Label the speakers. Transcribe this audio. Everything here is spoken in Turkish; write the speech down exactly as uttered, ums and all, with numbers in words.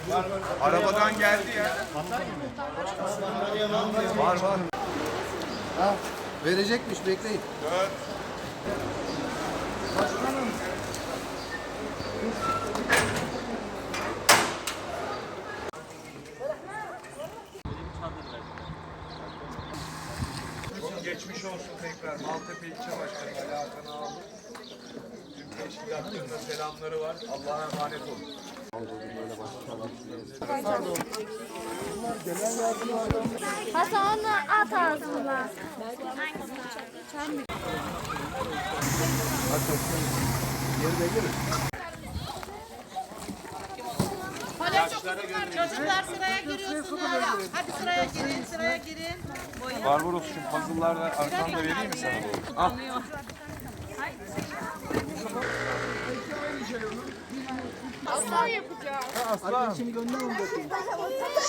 Speaker 1: Arabadan geldi ya. Var var.
Speaker 2: Ha, verecekmiş, bekleyin.
Speaker 1: Dört. Çok geçmiş olsun tekrar. Maltepe İlçe Başkanı Ali Hakan Ağabey. Tüm teşkilatlarına selamları var. Allah'a emanet olun.
Speaker 3: Hasan onu at ağzına.
Speaker 4: Çocuklar sıraya giriyorsunuz. Hadi sıraya girin, sıraya girin.
Speaker 1: Barbaros şu puzzle'larla arkanda vereyim mi sana? Al.
Speaker 3: Aslan yapacağım.
Speaker 1: Aslan.